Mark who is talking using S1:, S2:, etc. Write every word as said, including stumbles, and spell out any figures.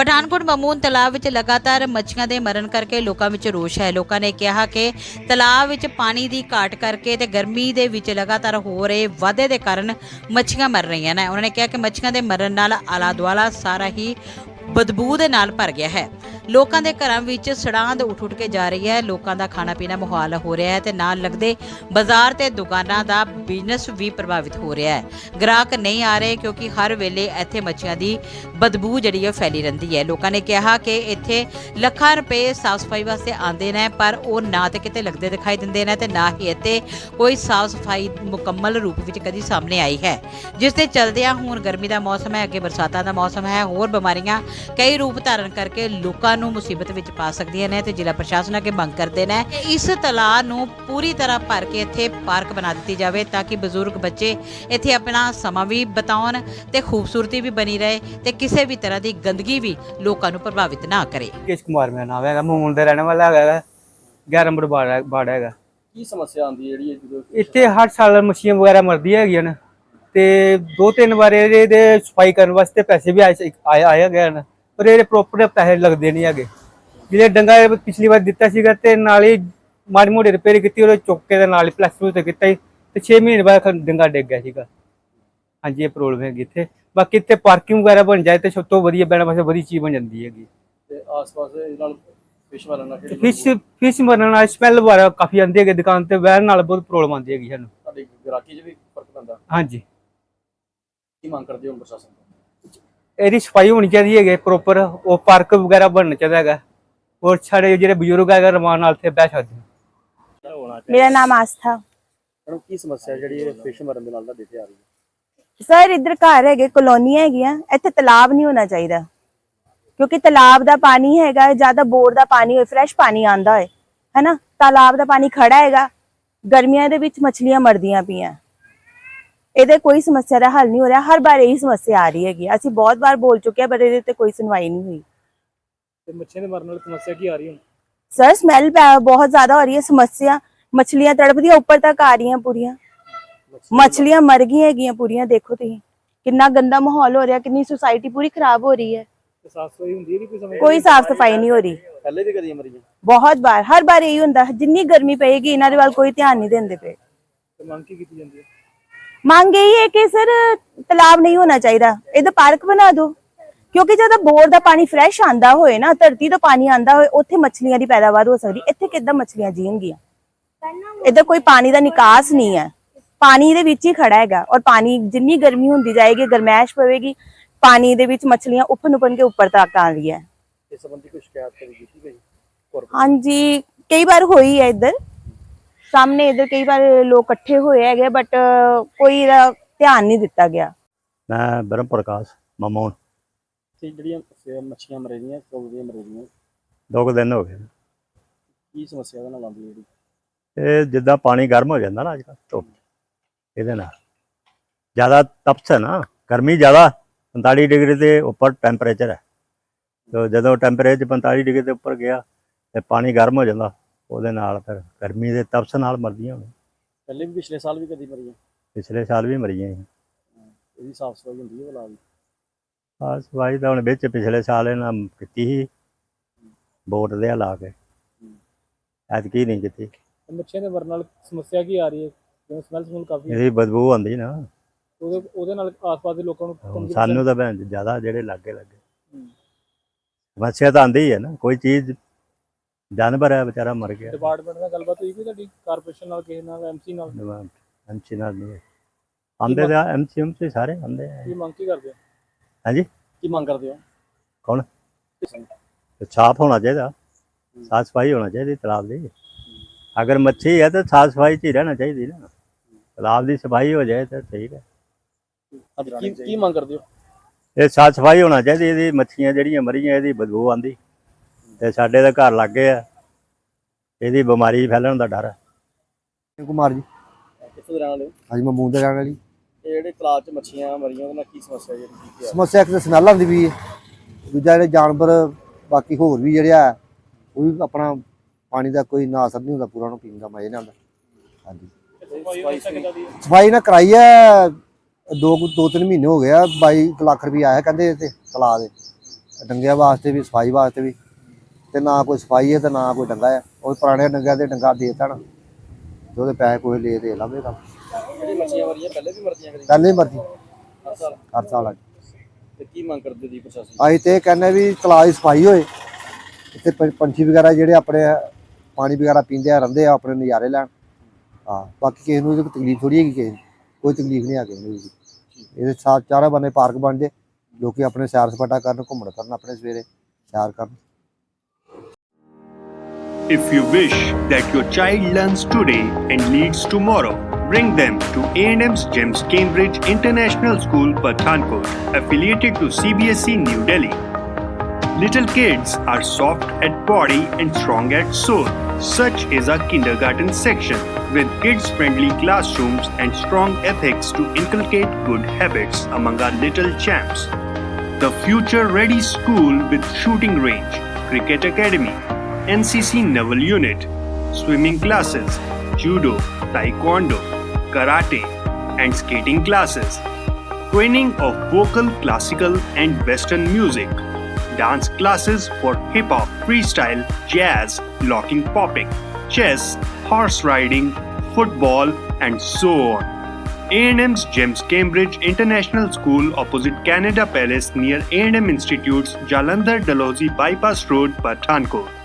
S1: ਪਠਾਨਕੋਟ ਮਮੂਨ ਤਲਾਬ ਵਿੱਚ ਲਗਾਤਾਰ ਮੱਛੀਆਂ ਦੇ ਮਰਨ ਕਰਕੇ ਲੋਕਾਂ ਵਿੱਚ ਰੋਸ਼ ਹੈ। ਲੋਕਾਂ ਨੇ ਕਿਹਾ ਕਿ ਤਲਾਬ ਵਿੱਚ ਪਾਣੀ ਦੀ ਘਾਟ ਕਰਕੇ ਤੇ ਗਰਮੀ ਦੇ ਵਿੱਚ ਲਗਾਤਾਰ ਹੋ ਰਹੇ ਵਾਧੇ ਦੇ ਕਾਰਨ ਮੱਛੀਆਂ ਮਰ ਰਹੀਆਂ ਨੇ। ਉਹਨਾਂ ਨੇ ਕਿਹਾ ਕਿ ਮੱਛੀਆਂ ਦੇ ਮਰਨ ਨਾਲ ਆਲਾ ਦੁਆਲਾ ਸਾਰਾ ਹੀ ਬਦਬੂ ਦੇ ਨਾਲ ਭਰ ਗਿਆ ਹੈ। ਲੋਕਾਂ ਦੇ ਘਰਾਂ ਵਿੱਚ ਸੜਾਂਦ ਉੱਠ ਉੱਠ ਕੇ ਜਾ ਰਹੀ ਹੈ। ਲੋਕਾਂ ਦਾ ਖਾਣਾ ਪੀਣਾ ਮੁਹਾਲ ਹੋ ਰਿਹਾ ਹੈ ਤੇ ਨਾਲ ਲੱਗਦੇ ਬਾਜ਼ਾਰ ਤੇ ਦੁਕਾਨਾਂ ਦਾ ਬਿਜ਼ਨਸ ਵੀ ਪ੍ਰਭਾਵਿਤ ਹੋ ਰਿਹਾ ਹੈ। ਗ੍ਰਾਹਕ ਨਹੀਂ ਆ ਰਹੇ ਕਿਉਂਕਿ ਹਰ ਵੇਲੇ ਇੱਥੇ ਮੱਛੀਆਂ ਦੀ ਬਦਬੂ ਜਿਹੜੀ ਹੈ ਫੈਲੀ ਰਹਿੰਦੀ ਹੈ। ਲੋਕਾਂ ਨੇ ਕਿਹਾ ਕਿ ਇੱਥੇ ਲੱਖਾਂ ਰੁਪਏ ਸਾਫ਼ ਸਫਾਈ ਵਾਸਤੇ ਆਉਂਦੇ ਨੇ, ਪਰ ਉਹ ਨਾ ਤੇ ਕਿਤੇ ਲੱਗਦੇ ਦਿਖਾਈ ਦਿੰਦੇ ਨੇ ਤੇ ਨਾ ਹੀ ਇੱਥੇ ਕੋਈ ਸਾਫ਼ ਸਫਾਈ ਮੁਕੰਮਲ ਰੂਪ ਵਿੱਚ ਕਦੀ ਸਾਹਮਣੇ ਆਈ ਹੈ, ਜਿਸ ਦੇ ਚਲਦਿਆਂ ਹੁਣ ਗਰਮੀ ਦਾ ਮੌਸਮ ਹੈ, ਅੱਗੇ ਬਰਸਾਤਾਂ ਦਾ ਮੌਸਮ ਹੈ, ਹੋਰ ਬਿਮਾਰੀਆਂ ਕਈ ਰੂਪ ਧਾਰਨ ਕਰਕੇ ਲੋਕਾਂ ਨੂੰ ਮੁਸੀਬਤ ਵਿੱਚ ਪਾ ਸਕਦੀਆਂ ਨੇ ਤੇ ਜ਼ਿਲ੍ਹਾ ਪ੍ਰਸ਼ਾਸਨ ਅੱਗੇ ਮੰਗ ਕਰਦੇ ਨੇ ਕਿ ਇਸ ਤਲਾਅ ਨੂੰ ਪੂਰੀ ਤਰ੍ਹਾਂ ਭਰ ਕੇ ਇੱਥੇ ਪਾਰਕ ਬਣਾ ਦਿੱਤੀ ਜਾਵੇ ਤਾਂ ਕਿ ਬਜ਼ੁਰਗ ਬੱਚੇ ਇੱਥੇ ਆਪਣਾ ਸਮਾਂ ਵੀ ਬਿਤਾਉਣ ਤੇ ਖੂਬਸੂਰਤੀ ਵੀ ਬਣੀ ਰਹੇ ਤੇ ਕਿਸੇ ਵੀ ਤਰ੍ਹਾਂ ਦੀ ਗੰਦਗੀ ਵੀ ਲੋਕਾਂ ਨੂੰ ਪ੍ਰਭਾਵਿਤ ਨਾ ਕਰੇ।
S2: ਕਿਸ਼ ਕੁਮਾਰ ਮੇਰਾ ਨਾਮ ਹੈਗਾ, ਮਮੂਨ ਦਾ ਰਹਿਣ ਵਾਲਾ ਹੈਗਾ, ਗਿਆਰਾਂ ਨੰਬਰ ਬਾੜ ਹੈਗਾ।
S3: ਕੀ ਸਮੱਸਿਆ ਆਉਂਦੀ ਹੈ ਜਿਹੜੀ ਜਦੋਂ
S2: ਇੱਥੇ ਹਰ ਸਾਲ ਮੱਛੀਆਂ ਵਗੈਰਾ ਮਰਦੀਆਂ ਹੈਗੀਆਂ ਨੇ ਤੇ ਦੋ ਤਿੰਨ ਵਾਰ ਇਹਦੇ ਸਫਾਈ ਕਰਨ ਵਾਸਤੇ ਪੈਸੇ ਵੀ ਆਏ ਆਏ ਗਏ ਨੇ, ਪਰ ਇਹਦੇ ਪ੍ਰੋਪਰ ਪੈਸੇ ਲੱਗਦੇ ਨਹੀਂ ਹੈਗੇ। ਜਿਹੜੇ ਡੰਗਾ ਪਿਛਲੀ ਵਾਰ ਦਿੱਤਾ ਸੀਗਾ ਤੇ ਨਾਲ ਹੀ ਮਾੜੀ ਮੋਟੀ ਰਿਪੇਅਰ ਕੀਤੀ, ਉਹਦੇ ਚੁੱਕ ਕੇ ਦੇ ਨਾਲ ਹੀ ਪਲਸਟਰ ਤੇ ਕੀਤਾ ਹੀ ਤੇ ਛੇ ਮਹੀਨੇ ਬਾਅਦ ਡੰਗਾ ਡਿੱਗ ਗਿਆ ਸੀਗਾ। ਹਾਂਜੀ, ਇਹ ਪ੍ਰੋਬਲਮ ਹੈਗੀ ਇੱਥੇ। ਬਾਕੀ ਇੱਥੇ ਪਾਰਕਿੰਗ ਵਗੈਰਾ ਬਣ ਜਾਏ ਤੇ ਸਭ ਤੋਂ ਵਧੀਆ ਬੈਠਣ ਵਾਸਤੇ ਵਧੀਆ ਚੀਜ਼ ਬਣ ਜਾਂਦੀ ਹੈਗੀ।
S3: ਤੇ ਆਸ-ਪਾਸ ਦੇ ਨਾਲ ਫਿਸ਼ ਮਾਰਨ ਨਾਲ ਕਿਹੜੀ
S2: ਫਿਸ਼ ਫਿਸ਼ ਮਰਨ ਨਾਲ ਸਮੈਲ ਵਗੈਰਾ ਕਾਫੀ ਆਉਂਦੀ ਹੈਗੀ, ਦੁਕਾਨ ਤੇ ਬਹਿਣ ਨਾਲ ਬਹੁਤ ਪ੍ਰੋਬਲਮ ਆਉਂਦੀ ਹੈਗੀ ਸਾਨੂੰ।
S3: ਤੁਹਾਡੀ ਗ੍ਰਾਹਕੀ 'ਚ ਵੀ ਫਰਕ ਪੈਂਦਾ?
S2: ਹਾਂਜੀ।
S3: ਕੀ ਮੰਗ ਕਰਦੇ ਹੋ ਪ੍ਰਸ਼ਾਸਨ ਤੋਂ?
S2: ਇਹਦੀ ਸਫਾਈ ਹੋਣੀ ਚਾਹੀਦੀ ਹੈਗੀ ਪ੍ਰੋਪਰ, ਉਹ ਪਾਰਕ ਵਗੈਰਾ ਬਣਨਾ ਚਾਹੀਦਾ ਹੈਗਾ, ਔਰ ਸਾਡੇ ਜਿਹੜੇ ਬਜ਼ੁਰਗ ਹੈਗਾ ਰਮਾਨ ਨਾਲ ਇੱਥੇ ਬਹਿ ਸਕਦੇ।
S4: मेरा नाम आस्था।
S3: ਮੈਡਮ ਕੀ ਸਮੱਸਿਆ ਜਿਹੜੀ ਫਿਸ਼ ਮਰਨ ਦੇ ਨਾਲ ਤੁਹਾਡੇ ਤੇ ਆ ਰਹੀ ਹੈ?
S4: सर इधर घर है कॉलोनी है, इत्थे तालाब नहीं होना चाहिए क्योंकि तालाब का पानी है ज्यादा बोर का पानी हो, फ्रैश पानी आता है है ना। तालाब का पानी खड़ा है, गर्मियों के विच मछलियां मरदियां पियां, ਇਹਦੇ कोई समस्या का हल नहीं हो रहा। हर बार यही समस्या आ रही है, ਅਸੀਂ बहुत बार बोल चुके हैं पर ਇਹਦੇ कोई सुनवाई नहीं हुई।
S3: ਤੇ ਮੱਛੀਆਂ ਦੇ ਮਰਨ ਨਾਲ ਸਮੱਸਿਆ ਕੀ ਆ ਰਹੀ ਹੈ?
S4: सर स्मैल बहुत ज्यादा हो रही है, समस्या मछलियां तड़पदियां ऊपर तक आ रही हैं पूरियां, मछलियां मर गई है पूरियां। देखो तुम कितना गंदा माहौल हो रहा है, कितनी सोसाइटी पूरी खराब हो रही है।
S3: ਸਾਫ ਸਫਾਈ ਹੁੰਦੀ ਹੈ? ਕੋਈ
S4: कोई साफ सफाई नहीं हो रही।
S3: ਪਹਿਲੇ ਵੀ ਕਦੀ ਮਰੀਆਂ?
S4: बहुत बार, हर बार यही होंदा, जिन्नी गर्मी पेगी इन्हां दे वाल कोई ध्यान नहीं देंदे पे।
S3: ਤੇ ਮੰਗ ਕੀ ਕੀਤੀ ਜਾਂਦੀ ਹੈ?
S4: मांग यही है कि सर तालाब नहीं होना चाहिए, इधर पार्क बना दो, क्योंकि जब बोर का पानी फ्रैश आंदा होए ना, धरती तो पानी आंदा होए, उत्थे मछलियां दी पैदावार हो सकदी। इत्थे किद्दां मछलियां जीणगियां? इधर कोई पानी का निकास नहीं है, पानी दे विच ही खड़ा है और पानी जिन्नी गर्मी होंदी जाएगी, गरमैश पवेगी, पानी दे विच मछलियां उफन उफन के ऊपर तक आ रही है।
S3: ਇਸ ਸੰਬੰਧੀ ਕੋਈ ਸ਼ਿਕਾਇਤ ਕਰੀ ਕੀਤੀ ਗਈ?
S4: हाँ जी, कई बार हुई है इधर सामने, इधर कई बार लोग इकट्ठे हुए है बट कोई ध्यान नहीं दिता गया।
S5: मैं ब्रह्म प्रकाश ममोन।
S3: ਤੇ ਜਿਹੜੀਆਂ ਮੱਛੀਆਂ ਮਰ ਰਹੀਆਂ ਕਦੋਂ ਦੀਆਂ ਮਰ ਰਹੀਆਂ?
S5: दो कुछ दिन हो गए।
S3: ਕੀ ਸਮੱਸਿਆ ਉਹਦੇ ਨਾਲ ਆਉਂਦੀ ਜਿਹੜੀ?
S5: ਇਹ ਜਿੱਦਾਂ ਪਾਣੀ ਗਰਮ ਹੋ ਜਾਂਦਾ ਨਾ ਅੱਜ ਕੱਲ੍ਹ ਧੁੱਪ, ਇਹਦੇ ਨਾਲ ਜ਼ਿਆਦਾ ਤਪਸ਼ ਹੈ ਨਾ, ਗਰਮੀ ਜ਼ਿਆਦਾ ਪੰਤਾਲੀ ਡਿਗਰੀ ਦੇ ਉੱਪਰ ਟੈਂਪਰੇਚਰ ਹੈ। ਤੇ ਜਦੋਂ ਟੈਂਪਰੇਚਰ ਪੰਤਾਲੀ ਡਿਗਰੀ ਦੇ ਉੱਪਰ ਗਿਆ ਤੇ ਪਾਣੀ ਗਰਮ ਹੋ ਜਾਂਦਾ, ਉਹਦੇ ਨਾਲ ਫਿਰ ਗਰਮੀ ਦੇ ਤਪਸ਼ ਨਾਲ ਮਰਦੀਆਂ।
S3: ਪਹਿਲੇ ਵੀ ਪਿਛਲੇ ਸਾਲ ਵੀ ਕਦੀ ਮਰੀਆਂ?
S5: ਪਿਛਲੇ ਸਾਲ ਵੀ ਮਰੀਆਂ ਸੀ।
S3: ਇਹਦੀ ਸਾਫ ਸਫਾਈ ਹੁੰਦੀ ਹੈ ਭਲਾ?
S5: ਆਹ ਸਫਾਈ ਤਾਂ ਹੁਣ ਵਿੱਚ ਪਿਛਲੇ ਸਾਲ ਇਹਨਾਂ ਕੀਤੀ ਸੀ ਬੋਟ ਦੇ ਲਾ ਕੇ, ਐਤਕੀ ਨਹੀਂ ਕੀਤੀ।
S3: ਮੱਛੀਆਂ ਦੇ ਮਰਨ ਨਾਲ ਸਮੱਸਿਆ ਕੀ ਆ ਰਹੀ ਹੈ? ਜਿਵੇਂ ਸਮੈਲ ਸਮੂਲ ਕਾਫੀ
S5: ਇਹਦੀ ਬਦਬੂ ਆਉਂਦੀ ਨਾ,
S3: ਉਹਦੇ ਉਹਦੇ ਨਾਲ ਆਸ-ਪਾਸ ਦੇ ਲੋਕਾਂ ਨੂੰ
S5: ਸਾਨੂੰ ਤਾਂ ਭੈਣ ਜ਼ਿਆਦਾ ਜਿਹੜੇ ਲਾਗੇ ਲੱਗੇ ਸਮੱਸਿਆ ਤਾਂ ਆਉਂਦੀ ਹੈ ਨਾ। ਕੋਈ ਚੀਜ਼ ਜਾਨਵਰ ਹੈ ਵਿਚਾਰਾ ਮਰ ਗਿਆ।
S3: ਡਿਪਾਰਟਮੈਂਟ ਨਾਲ ਗੱਲਬਾਤ ਹੋਈ ਕੋਈ ਤੁਹਾਡੀ? ਕਾਰਪੋਰੇਸ਼ਨ ਨਾਲ, ਕਿਸੇ ਨਾਲ, ਐਮਸੀ ਨਾਲ?
S5: ਐਮਸੀ ਨਾਲ ਨਹੀਂ ਆਉਂਦੇ ਤਾਂ ਐਮਸੀ ਐਮਸੀ ਸਾਰੇ ਆਉਂਦੇ ਆ।
S3: ਕੀ ਮੰਗ ਕੀ ਕਰਦੇ ਹੋ?
S5: ਹਾਂਜੀ,
S3: ਕੀ ਮੰਗ ਕਰਦੇ ਹੋ?
S5: ਕੌਣ? ਸਾਫ ਹੋਣਾ ਚਾਹੀਦਾ, ਸਾਫ ਸਫਾਈ ਹੋਣਾ ਚਾਹੀਦੀ ਤਲਾਬ ਦੀ। ਅਗਰ ਮੱਛੀ ਹੈ ਤਾਂ ਸਾਫ ਸਫਾਈ 'ਚ ਹੀ ਰਹਿਣਾ ਚਾਹੀਦੀ ਨਾ, ਤਲਾਬ ਦੀ ਸਫਾਈ ਹੋ ਜਾਏ ਤਾਂ ਠੀਕ ਹੈ।
S3: ਕੀ ਕੀ ਮੰਗ ਕਰਦੇ ਹੋ?
S5: ਇਹ ਸਾਫ ਸਫਾਈ ਹੋਣਾ ਚਾਹੀਦੀ। ਇਹਦੀ ਮੱਛੀਆਂ ਜਿਹੜੀਆਂ ਮਰੀਆਂ ਇਹਦੀ ਬਦਬੂ ਆਉਂਦੀ ਤੇ ਸਾਡੇ ਦਾ ਘਰ ਲੱਗੇ ਆ, ਇਹਦੀ ਬਿਮਾਰੀ ਫੈਲਣ ਦਾ ਡਰ ਹੈ।
S2: ਕੁਮਾਰ ਜੀ।
S3: ਕਿੱਥੋਂ ਦੇ ਰਹਿਣ ਵਾਲੇ ਹੋ?
S2: ਹਾਂਜੀ, ਮਮੂਨ ਦੇ ਰਹਿਣ ਵਾਲੀ।
S3: ਇਹ ਜਿਹੜੇ ਤਲਾਬ 'ਚ ਮੱਛੀਆਂ ਮਰੀਆਂ ਉਹਦੇ ਨਾਲ ਕੀ ਸਮੱਸਿਆ ਜਿਹੜੀ?
S2: ਸਮੱਸਿਆ ਇੱਕ ਤਾਂ ਸਮੈਲ ਆਉਂਦੀ ਵੀ ਹੈ, ਦੂਜਾ ਜਿਹੜੇ ਜਾਨਵਰ ਬਾਕੀ ਹੋਰ ਵੀ ਜਿਹੜੇ ਆ ਉਹ ਵੀ ਆਪਣਾ ਪਾਣੀ ਦਾ ਕੋਈ ਨਾ ਅਸਰ ਨਹੀਂ ਹੁੰਦਾ, ਪੂਰਾ ਉਹਨੂੰ ਪੀਣ ਦਾ ਮਜ਼ਾ ਨਹੀਂ ਆਉਂਦਾ। ਹਾਂਜੀ, ਸਫਾਈ ਨਾ ਕਰਾਈ ਹੈ, ਦੋ ਦੋ ਤਿੰਨ ਮਹੀਨੇ ਹੋ ਗਏ ਆ, ਬਾਈ ਲੱਖ ਰੁਪਈਆ ਆਇਆ ਕਹਿੰਦੇ ਤੇ ਤਲਾਬ ਦੇ,
S6: ਡੰਗਿਆਂ ਵਾਸਤੇ ਵੀ ਸਫਾਈ ਵਾਸਤੇ ਵੀ ਤੇ ਨਾ ਕੋਈ ਸਫਾਈ ਹੈ ਤੇ ਨਾ ਕੋਈ ਡੰਗਾ ਹੈ। ਉਹ ਪੁਰਾਣੇ ਡੰਗਿਆਂ ਦੇ ਡੰਗਾ ਦੇ ਦੇਣ ਤੇ ਉਹਦੇ ਪੈਸੇ ਕੋਈ ਲੈ ਦੇ ਲਵੇਗਾ।
S3: ਜਿਹੜੀ ਮੱਛੀਆਂ ਮਰੀਆਂ ਪਹਿਲੇ ਵੀ ਮਰਦੀਆਂ ਕਦੇ
S6: ਪਹਿਲੇ ਹੀ ਮਰਦੀ
S3: ਹਰ ਸਾਲ
S6: ਹਰ ਸਾਲ ਆ।
S3: ਤੇ ਕੀ ਮੰਗ ਕਰਦੇ ਜੀ ਪ੍ਰਸ਼ਾਸਨ?
S6: ਅਸੀਂ ਤੇ ਇਹ ਕਹਿੰਦੇ ਵੀ ਤਲਾਅ ਦੀ ਸਫਾਈ ਹੋਏ, ਇੱਥੇ ਪੰ- ਪੰਛੀ ਵਗੈਰਾ ਜਿਹੜੇ ਆਪਣੇ ਪਾਣੀ ਵਗੈਰਾ ਪੀਂਦੇ ਆ ਰਹਿੰਦੇ ਆ ਆਪਣੇ ਨਜ਼ਾਰੇ ਲੈਣ। ਹਾਂ ਬਾਕੀ ਕਿਸੇ ਨੂੰ ਇਹਦੀ ਕੋਈ ਤਕਲੀਫ ਥੋੜੀ ਹੈਗੀ, ਕਿਸੇ ਨੂੰ ਕੋਈ ਤਕਲੀਫ ਨਹੀਂ ਆ ਕਿਸੇ ਨੂੰ। ਇਹਦੇ ਸਾ ਚਾਰੇ ਬੰਨੇ ਪਾਰਕ ਬਣ ਜੇ, ਲੋਕੀ ਆਪਣੇ ਸੈਰ ਸਪਾਟਾ ਕਰਨ, ਘੁੰਮਣ ਕਰਨ, ਆਪਣੇ ਸਵੇਰੇ ਸੈਰ ਕਰਨ।
S7: If you wish that your child learns today and leads tomorrow, bring them to A and M's GEMS Cambridge International School, Pathankot, affiliated to C B S E New Delhi. Little kids are soft at body and strong at soul. Such is our kindergarten section with kids-friendly classrooms and strong ethics to inculcate good habits among our little champs. The future-ready school with shooting range, cricket academy, N C C Naval Unit, swimming classes, judo, taekwondo, karate, and skating classes. Training of vocal, classical, and western music. Dance classes for hip-hop, freestyle, jazz, locking popping, chess, horse riding, football, and so on. A and M's GEMS Cambridge International School opposite Canada Palace near A and M Institute's Jalandhar Dalhousie Bypass Road, Pathankot.